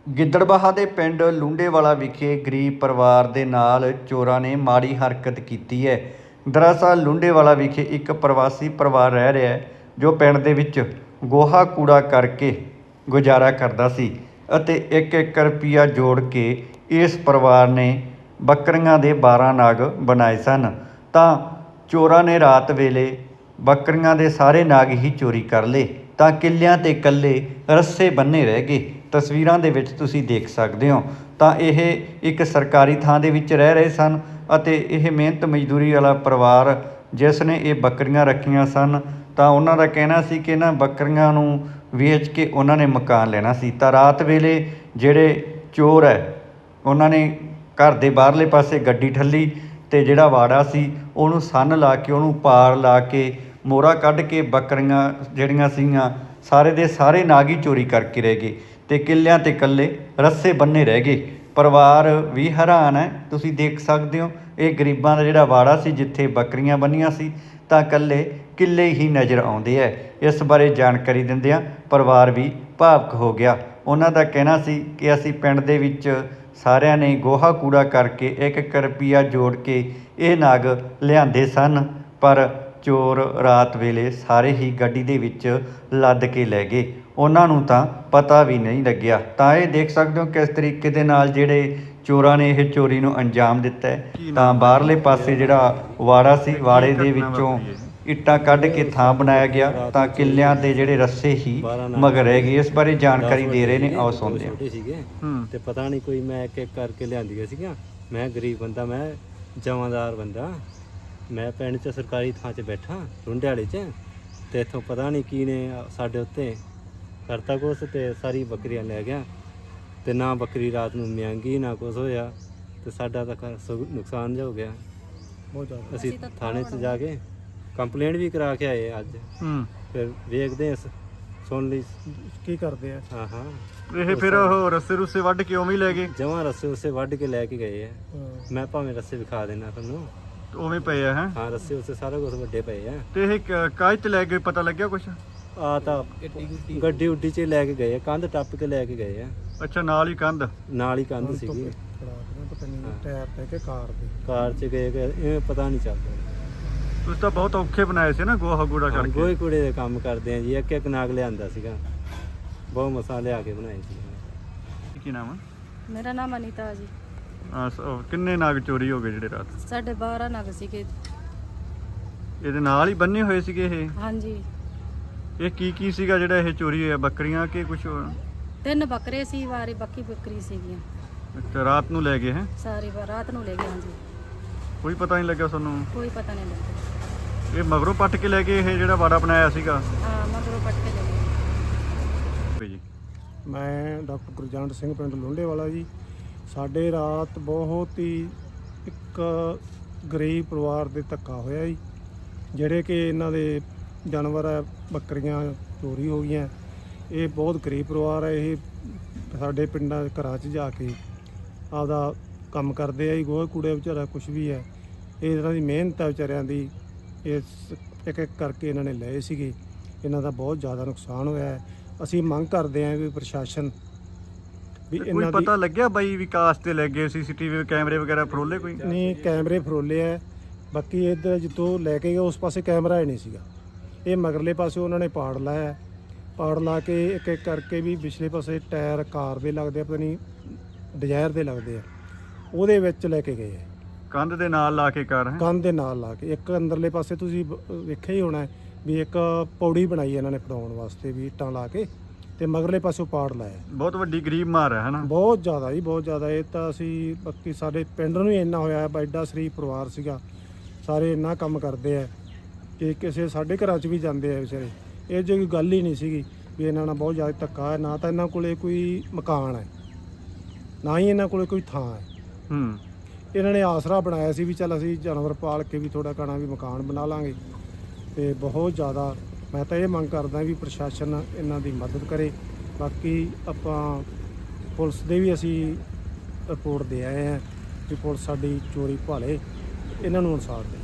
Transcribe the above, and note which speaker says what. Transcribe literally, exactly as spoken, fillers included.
Speaker 1: ਗਿੱਦੜਬਾਹਾ ਦੇ ਪਿੰਡ ਲੂੰਡੇਵਾਲਾ ਵਿਖੇ ਗਰੀਬ ਪਰਿਵਾਰ ਦੇ ਨਾਲ ਚੋਰਾਂ ਨੇ ਮਾੜੀ ਹਰਕਤ ਕੀਤੀ ਹੈ। ਦਰਅਸਲ ਲੂੰਡੇਵਾਲਾ ਵਿਖੇ ਇੱਕ ਪ੍ਰਵਾਸੀ ਪਰਿਵਾਰ ਰਹਿ ਰਿਹਾ ਹੈ ਜੋ ਪਿੰਡ ਦੇ ਵਿੱਚ ਗੋਹਾ ਕੂੜਾ ਕਰਕੇ ਗੁਜ਼ਾਰਾ ਕਰਦਾ ਸੀ ਅਤੇ ਇੱਕ ਇੱਕ ਰੁਪਈਆ ਜੋੜ ਕੇ ਇਸ ਪਰਿਵਾਰ ਨੇ ਬੱਕਰੀਆਂ ਦੇ ਬਾਰਾਂ ਨਾਗ ਬਣਾਏ ਸਨ। ਤਾਂ ਚੋਰਾਂ ਨੇ ਰਾਤ ਵੇਲੇ ਬੱਕਰੀਆਂ ਦੇ ਸਾਰੇ ਨਾਗ ਹੀ ਚੋਰੀ ਕਰ ਲਏ ਤਾਂ ਕਿੱਲਿਆਂ ਤੇ ਇਕੱਲੇ ਰੱਸੇ ਬੰਨੇ ਰਹਿ ਗਏ। ਤਸਵੀਰਾਂ ਦੇ ਵਿੱਚ ਤੁਸੀਂ ਦੇਖ ਸਕਦੇ ਹੋ। ਤਾਂ ਇਹ ਇੱਕ ਸਰਕਾਰੀ ਥਾਂ ਦੇ ਵਿੱਚ ਰਹਿ ਰਹੇ ਸਨ ਅਤੇ ਇਹ ਮਿਹਨਤ ਮਜ਼ਦੂਰੀ ਵਾਲਾ ਪਰਿਵਾਰ ਜਿਸ ਨੇ ਇਹ ਬੱਕਰੀਆਂ ਰੱਖੀਆਂ ਸਨ ਤਾਂ ਉਹਨਾਂ ਦਾ ਕਹਿਣਾ ਸੀ ਕਿ ਇਹਨਾਂ ਬੱਕਰੀਆਂ ਨੂੰ ਵੇਚ ਕੇ ਉਹਨਾਂ ਨੇ ਮਕਾਨ ਲੈਣਾ ਸੀ। ਤਾਂ ਰਾਤ ਵੇਲੇ ਜਿਹੜੇ ਚੋਰ ਹੈ ਉਹਨਾਂ ਨੇ ਘਰ ਦੇ ਬਾਹਰਲੇ ਪਾਸੇ ਗੱਡੀ ਠੱਲੀ ਅਤੇ ਜਿਹੜਾ ਵਾੜਾ ਸੀ ਉਹਨੂੰ ਸੰਨ ਲਾ ਕੇ ਉਹਨੂੰ ਪਾਰ ਲਾ ਕੇ ਮੋਹਰਾ ਕੱਢ ਕੇ ਬੱਕਰੀਆਂ ਜਿਹੜੀਆਂ ਸੀਗੀਆਂ ਸਾਰੇ ਦੇ ਸਾਰੇ ਨਾਗ ਹੀ ਚੋਰੀ ਕਰਕੇ ਰਹਿ ਗਏ ਅਤੇ ਕਿੱਲਿਆਂ 'ਤੇ ਇਕੱਲੇ ਰੱਸੇ ਬੰਨੇ ਰਹਿ ਗਏ। ਪਰਿਵਾਰ ਵੀ ਹੈਰਾਨ ਹੈ। ਤੁਸੀਂ ਦੇਖ ਸਕਦੇ ਹੋ ਇਹ ਗਰੀਬਾਂ ਦਾ ਜਿਹੜਾ ਵਾੜਾ ਸੀ ਜਿੱਥੇ ਬੱਕਰੀਆਂ ਬੰਨੀਆਂ ਸੀ ਤਾਂ ਇਕੱਲੇ ਕਿੱਲੇ ਹੀ ਨਜ਼ਰ ਆਉਂਦੇ ਹੈ। ਇਸ ਬਾਰੇ ਜਾਣਕਾਰੀ ਦਿੰਦਿਆਂ ਪਰਿਵਾਰ ਵੀ ਭਾਵੁਕ ਹੋ ਗਿਆ। ਉਹਨਾਂ ਦਾ ਕਹਿਣਾ ਸੀ ਕਿ ਅਸੀਂ ਪਿੰਡ ਦੇ ਵਿੱਚ ਸਾਰਿਆਂ ਨੇ ਗੋਹਾ ਕੂੜਾ ਕਰਕੇ ਇੱਕ ਇੱਕ ਰੁਪਈਆ ਜੋੜ ਕੇ ਇਹ ਨਾਗ ਲਿਆਂਦੇ ਸਨ ਪਰ ਚੋਰ ਰਾਤ ਵੇਲੇ ਸਾਰੇ ਹੀ ਗੱਡੀ ਦੇ ਵਿੱਚ ਲੱਦ ਕੇ ਲੈ ਗਏ। ਉਹਨਾਂ ਨੂੰ ਤਾਂ ਪਤਾ ਵੀ ਨਹੀਂ ਲੱਗਿਆ। ਤਾਂ ਇਹ ਦੇਖ ਸਕਦੇ ਹੋ ਕਿਸ ਤਰੀਕੇ ਦੇ ਨਾਲ ਜਿਹੜੇ ਚੋਰਾਂ ਨੇ ਇਹ ਚੋਰੀ ਨੂੰ ਅੰਜਾਮ ਦਿੱਤਾ ਹੈ। ਤਾਂ ਬਾਹਰਲੇ ਪਾਸੇ ਜਿਹੜਾ ਵਾੜਾ ਸੀ ਵਾੜੇ ਦੇ ਵਿੱਚੋਂ ਇੱਟਾਂ ਕੱਢ ਕੇ ਥਾਂ ਬਣਾਇਆ ਗਿਆ ਤਾਂ ਕਿੱਲਿਆਂ ਦੇ ਜਿਹੜੇ ਰੱਸੇ ਹੀ ਮਗਰ ਰਹਿ ਗਏ। ਇਸ ਬਾਰੇ ਜਾਣਕਾਰੀ ਦੇ ਰਹੇ ਨੇ, ਆਓ ਸੁਣਦੇ ਹਾਂ।
Speaker 2: ਸੀਗੇ ਤੇ ਪਤਾ ਨਹੀਂ ਕੋਈ ਮੈਂ ਇੱਕ ਇੱਕ ਕਰਕੇ ਲਿਆਂਦੀਆਂ ਸੀਗੀਆਂ। ਮੈਂ ਗਰੀਬ ਬੰਦਾ, ਮੈਂ ਜਮਾਦਾਰ ਬੰਦਾ, ਮੈਂ ਪਿੰਡ 'ਚ ਸਰਕਾਰੀ ਥਾਂ 'ਚ ਬੈਠਾ ਲੁੰਡਿਆਲੇ 'ਚ ਤੇ ਇੱਥੋਂ ਪਤਾ ਨਹੀਂ ਕੀ ਨੇ ਸਾਡੇ ਉੱਤੇ ਕਰਤਾ ਕੁਛ ਤੇ ਸਾਰੀ ਬੱਕਰੀਆਂ ਲੈ ਗਿਆ ਤੇ ਨਾ ਬੱਕਰੀ ਰਾਤ ਨੂੰ ਮਿਆਂਗੀ ਨਾ ਕੁਛ ਹੋਇਆ ਤੇ ਸਾਡਾ ਤਾਂ ਨੁਕਸਾਨ ਜਿਹਾ ਹੋ ਗਿਆ ਬਹੁਤ ਜ਼ਿਆਦਾ। ਅਸੀਂ ਥਾਣੇ 'ਚ ਜਾ ਕੇ ਕੰਪਲੇਂਟ ਵੀ ਕਰਾ ਕੇ ਆਏ ਅੱਜ। ਫਿਰ ਵੇਖਦੇ ਹਾਂ ਸੁਣ ਲਈ ਕੀ ਕਰਦੇ ਆ। ਹਾਂ ਹਾਂ
Speaker 1: ਇਹ ਫਿਰ ਉਹ ਰੱਸੇ ਰੁੱਸੇ ਵੱਢ ਕੇ ਉਵੇਂ ਹੀ ਲੈ ਗਏ।
Speaker 2: ਜਮਾਂ ਰੱਸੇ ਉਸੇ ਵੱਢ ਕੇ ਲੈ ਕੇ ਗਏ ਆ। ਮੈਂ ਭਾਵੇਂ ਰੱਸੇ ਵਿਖਾ ਦੇਣਾ ਤੁਹਾਨੂੰ,
Speaker 1: ਉਵੇਂ ਪਏ ਆ। ਹੈ
Speaker 2: ਹਾਂ ਰੱਸੇ ਉਸੇ ਸਾਰਾ ਕੁਝ ਵੱਡੇ ਪਏ ਆ।
Speaker 1: ਤੇ ਇਹ ਕਾਹਦੇ ਤੇ ਲੈ ਕੇ ਪਤਾ ਲੱਗਿਆ ਕੁਛ?
Speaker 2: ਆ ਤਾਂ ਗੱਡੀ ਉੱਡੀ 'ਚ ਲੈ ਕੇ ਗਏ ਆ, ਕੰਧ ਟੱਪ ਕੇ ਲੈ ਕੇ ਗਏ ਆ।
Speaker 1: ਅੱਛਾ, ਨਾਲ ਹੀ ਕੰਧ
Speaker 2: ਨਾਲ ਹੀ ਕੰਧ ਸੀਗੀ।
Speaker 3: ਟਾਇਰ ਤੇ ਕਿ ਕਾਰ ਦੇ
Speaker 2: ਕਾਰ 'ਚ ਗਏ ਇਹ ਪਤਾ ਨਹੀਂ ਚੱਲਦਾ।
Speaker 1: ਤੁਸੀਂ ਤਾਂ ਬਹੁਤ ਔਖੇ ਬਣਾਏ ਸੀ ਨਾ ਗੋਹਾ ਕੂੜਾ ਕਰਕੇ।
Speaker 2: ਗੋਹੇ ਕੂੜੇ ਦੇ ਕੰਮ ਕਰਦੇ ਆ ਜੀ। ਇੱਕ ਇੱਕ ਨਾਗ ਲਿਆਂਦਾ ਸੀਗਾ, ਬਹੁਤ ਮਸਾ ਲਿਆ ਕੇ ਬਣਾਏ ਸੀ।
Speaker 1: ਕੀ ਨਾਮ ਹੈ?
Speaker 4: ਮੇਰਾ ਨਾਮ ਅਨੀਤਾ ਜੀ।
Speaker 1: ਕਿੰਨੇ ਨਾਗ ਚੋਰੀ ਹੋ ਗਏ ਜਿਹੜੇ ਰਾਤ?
Speaker 4: ਸਾਡੇ ਬਾਰਾਂ ਨਗ ਸੀਗੇ।
Speaker 1: ਇਹਦੇ ਨਾਲ ਹੀ ਬੰਨੇ ਹੋਏ ਸੀਗੇ ਇਹ?
Speaker 4: ਹਾਂਜੀ।
Speaker 1: ਇਹ ਕੀ ਕੀ ਸੀਗਾ ਜਿਹੜਾ ਇਹ ਚੋਰੀ ਹੋਇਆ? ਬੱਕਰੀਆਂ ਕਿ ਕੁਛ ਹੋਰ?
Speaker 4: ਤਿੰਨ ਬੱਕਰੇ ਸੀ, ਵਾਰੀ ਬਾਕੀ ਬੱਕਰੀ ਸੀਗੀਆਂ।
Speaker 1: ਅੱਛਾ, ਰਾਤ ਨੂੰ ਲੈ ਗਏ ਹੈ?
Speaker 4: ਸਾਰੀ ਰਾਤ ਨੂੰ ਲੈ ਗਏ। ਹਾਂਜੀ,
Speaker 1: ਕੋਈ ਪਤਾ ਨਹੀਂ ਲੱਗਿਆ ਤੁਹਾਨੂੰ?
Speaker 4: ਕੋਈ ਪਤਾ ਨਹੀਂ ਲੱਗਾ।
Speaker 1: ਇਹ ਮਗਰੋਂ ਪੱਟ ਕੇ ਲੈ ਗਏ ਇਹ ਜਿਹੜਾ ਵਾੜਾ ਬਣਾਇਆ ਸੀਗਾ?
Speaker 4: ਹਾਂ, ਮਗਰੋਂ ਪੱਟ ਕੇ ਲੈ ਗਏ
Speaker 1: ਜੀ।
Speaker 3: ਮੈਂ ਡਾਕਟਰ ਗੁਰਜੰਟ ਸਿੰਘ, ਪਿੰਡ ਲੁੰਡੇਵਾਲਾ ਜੀ। ਸਾਡੇ ਰਾਤ ਬਹੁਤ ਹੀ ਇੱਕ ਗਰੀਬ ਪਰਿਵਾਰ ਦੇ ਧੱਕਾ ਹੋਇਆ ਜੀ, ਜਿਹੜੇ ਕਿ ਇਹਨਾਂ ਦੇ ਜਾਨਵਰ ਹੈ ਬੱਕਰੀਆਂ ਚੋਰੀ ਹੋ ਗਈਆਂ। ਇਹ ਬਹੁਤ ਗਰੀਬ ਪਰਿਵਾਰ ਹੈ। ਇਹ ਸਾਡੇ ਪਿੰਡਾਂ ਘਰਾਂ 'ਚ ਜਾ ਕੇ ਆਪਦਾ ਕੰਮ ਕਰਦੇ ਆ ਜੀ। ਗੋਹੇ ਕੂੜੇ ਵਿਚਾਰਾ ਕੁਛ ਵੀ ਹੈ, ਇਹ ਇਹਨਾਂ ਦੀ ਮਿਹਨਤ ਹੈ ਵਿਚਾਰਿਆਂ ਦੀ। ਇਸ ਇੱਕ ਇੱਕ ਕਰਕੇ ਇਹਨਾਂ ਨੇ ਲਏ ਸੀਗੇ। ਇਹਨਾਂ ਦਾ ਬਹੁਤ ਜ਼ਿਆਦਾ ਨੁਕਸਾਨ ਹੋਇਆ ਹੈ। ਅਸੀਂ ਮੰਗ ਕਰਦੇ ਹਾਂ ਵੀ ਪ੍ਰਸ਼ਾਸਨ ਵੀ ਇਹਨਾਂ ਦੀ
Speaker 1: ਪਤਾ ਲੱਗਿਆ ਬਾਈ ਵਿਕਾਸ ਤੇ ਲੈ ਗਏ? ਸੀਸੀਟੀਵੀ ਕੈਮਰੇ ਵਗੈਰਾ ਫਰੋਲੇ ਕੋਈ?
Speaker 3: ਨਹੀਂ, ਕੈਮਰੇ ਫਰੋਲੇ ਹੈ। ਬਾਕੀ ਇੱਧਰ ਜਿੱਥੋਂ ਲੈ ਕੇ ਗਏ ਉਸ ਪਾਸੇ ਕੈਮਰਾ ਹੀ ਨਹੀਂ ਸੀਗਾ। ਇਹ ਮਗਰਲੇ ਪਾਸੇ ਉਹਨਾਂ ਨੇ ਪਾੜ ਲਾਇਆ। ਪਾੜ ਲਾ ਕੇ ਇੱਕ ਇੱਕ ਕਰਕੇ ਵੀ ਪਿਛਲੇ ਪਾਸੇ ਟਾਇਰ ਕਾਰ ਦੇ ਲੱਗਦੇ ਆ, ਪਤਾ ਨਹੀਂ ਡਿਜ਼ਾਇਰ ਦੇ ਲੱਗਦੇ ਆ, ਉਹਦੇ ਵਿੱਚ ਲੈ ਕੇ ਗਏ ਆ।
Speaker 1: ਕੰਧ ਦੇ ਨਾਲ ਲਾ ਕੇ ਕਾਰ?
Speaker 3: ਕੰਧ ਦੇ ਨਾਲ ਲਾ ਕੇ। ਇੱਕ ਅੰਦਰਲੇ ਪਾਸੇ ਤੁਸੀਂ ਵੇਖਿਆ ਹੀ ਹੋਣਾ ਵੀ ਇੱਕ ਪੌੜੀ ਬਣਾਈ ਇਹਨਾਂ ਨੇ ਫੜਾਉਣ ਵਾਸਤੇ ਵੀ ਇੱਟਾਂ ਲਾ ਕੇ, ਤੇ ਮਗਰਲੇ ਪਾਸੋਂ ਪਾੜ ਲਾਇਆ।
Speaker 1: ਬਹੁਤ ਵੱਡੀ ਗਰੀਬ ਮਾਰ ਹੈ ਹਨਾ?
Speaker 3: ਬਹੁਤ ਜ਼ਿਆਦਾ ਜੀ, ਬਹੁਤ ਜ਼ਿਆਦਾ। ਇਹ ਤਾਂ ਅਸੀਂ ਬਾਕੀ ਸਾਡੇ ਪਿੰਡ ਨੂੰ ਹੀ ਇੰਨਾ ਹੋਇਆ, ਐਡਾ ਸ਼ਰੀਫ ਪਰਿਵਾਰ ਸੀਗਾ, ਸਾਰੇ ਇੰਨਾ ਕੰਮ ਕਰਦੇ ਆ ਕਿ ਕਿਸੇ ਸਾਡੇ ਘਰਾਂ 'ਚ ਵੀ ਜਾਂਦੇ ਆ ਵਿਚਾਰੇ। ਇਹ ਜਿਹੀ ਕੋਈ ਗੱਲ ਹੀ ਨਹੀਂ ਸੀਗੀ ਵੀ ਇਹਨਾਂ ਨਾਲ ਬਹੁਤ ਜ਼ਿਆਦਾ ਧੱਕਾ ਹੈ। ਨਾ ਤਾਂ ਇਹਨਾਂ ਕੋਲੇ ਕੋਈ ਮਕਾਨ ਹੈ, ਨਾ ਹੀ ਇਹਨਾਂ ਕੋਲੇ ਕੋਈ ਥਾਂ ਹੈ।
Speaker 1: ਹੂੰ
Speaker 3: ਇਹਨਾਂ ਨੇ ਆਸਰਾ ਬਣਾਇਆ ਸੀ ਵੀ ਚੱਲ ਅਸੀਂ ਜਾਨਵਰ ਪਾਲ ਕੇ ਵੀ ਥੋੜ੍ਹਾ ਘਣਾ ਵੀ ਮਕਾਨ ਬਣਾ ਲਾਂਗੇ। ਅਤੇ ਬਹੁਤ ਜ਼ਿਆਦਾ ਮੈਂ ਤਾਂ ਇਹ ਮੰਗ ਕਰਦਾ ਵੀ ਪ੍ਰਸ਼ਾਸਨ ਇਹਨਾਂ ਦੀ ਮਦਦ ਕਰੇ। ਬਾਕੀ ਆਪਾਂ ਪੁਲਿਸ ਦੇ ਵੀ ਅਸੀਂ ਰਿਪੋਰਟ ਦੇ ਆਏ ਹਾਂ ਕਿ ਪੁਲਿਸ ਸਾਡੀ ਚੋਰੀ ਭਾਲੇ, ਇਹਨਾਂ ਨੂੰ ਇਨਸਾਫ ਦੇ।